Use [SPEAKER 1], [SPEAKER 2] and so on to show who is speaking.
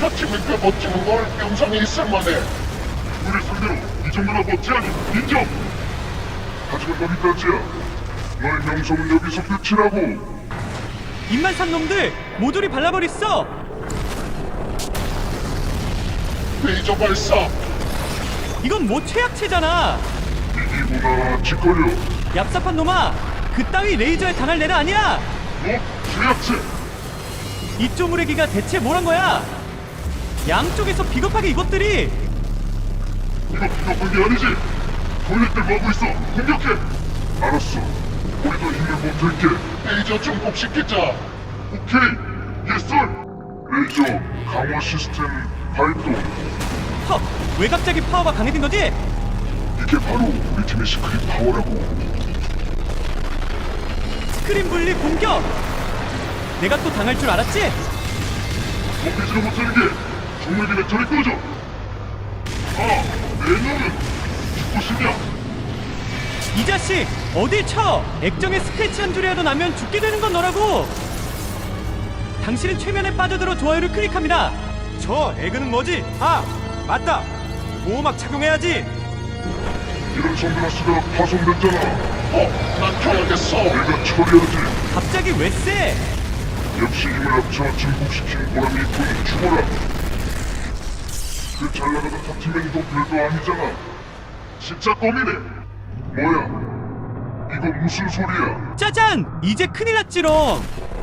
[SPEAKER 1] 저 팀은 꽤 멋지는 걸 영상에 있을만해.
[SPEAKER 2] 우리 상대로 이 정도나 멋지하니 인정! 하지만 너희까지야. 너의 명성은 여기서 끝이라고.
[SPEAKER 3] 입만 산 놈들 모조리 발라버렸어.
[SPEAKER 1] 레이저 발사.
[SPEAKER 3] 이건 뭐 최악체잖아.
[SPEAKER 2] 이기구나 짓거려.
[SPEAKER 3] 얍삽한 놈아, 그따위 레이저에 당할 애는 아니야.
[SPEAKER 2] 죄악체!
[SPEAKER 3] 이 쪼무레기가 대체 뭐란 거야? 양쪽에서 비겁하게 이것들이.
[SPEAKER 2] 이거 비겁한 게 아니지? 토일렛들 뭐하고 있어? 공격해! 알았어. 우리도 힘을 못할게.
[SPEAKER 1] 레이저 증폭시키자.
[SPEAKER 2] 오케이! 예스! 레이저 강화 시스템 발동.
[SPEAKER 3] 헉, 왜 갑자기 파워가 강해진 거지?
[SPEAKER 2] 이게 바로 우리 팀의 시크릿 파워라고.
[SPEAKER 3] 스크린 분리 공격. 내가 또 당할 줄 알았지?
[SPEAKER 2] 먹히지도 못하는 게 정말 저리 꺼져. 내 놈은 죽고 싶냐?
[SPEAKER 3] 이 자식 어딜 쳐. 액정에 스크래치 한 줄이라도 나면 죽게 되는 건 너라고. 당신은 최면에 빠져들어 좋아요를 클릭합니다. 저 에그는 뭐지? 아, 맞다, 보호막 착용해야지.
[SPEAKER 2] 이런 선글라스가 파손됐잖아.
[SPEAKER 1] 난 켜야겠어.
[SPEAKER 2] 내가 처리하지.
[SPEAKER 3] 갑자기 왜 쎄?
[SPEAKER 2] 역시 힘을 합쳐 증폭시킨 보람이 있군. 죽어라. 그 잘나가던 탑팀맨도 별도 아니잖아. 진짜 껌이네. 뭐야? 이거 무슨 소리야?
[SPEAKER 3] 짜잔! 이제 큰일 났지롱.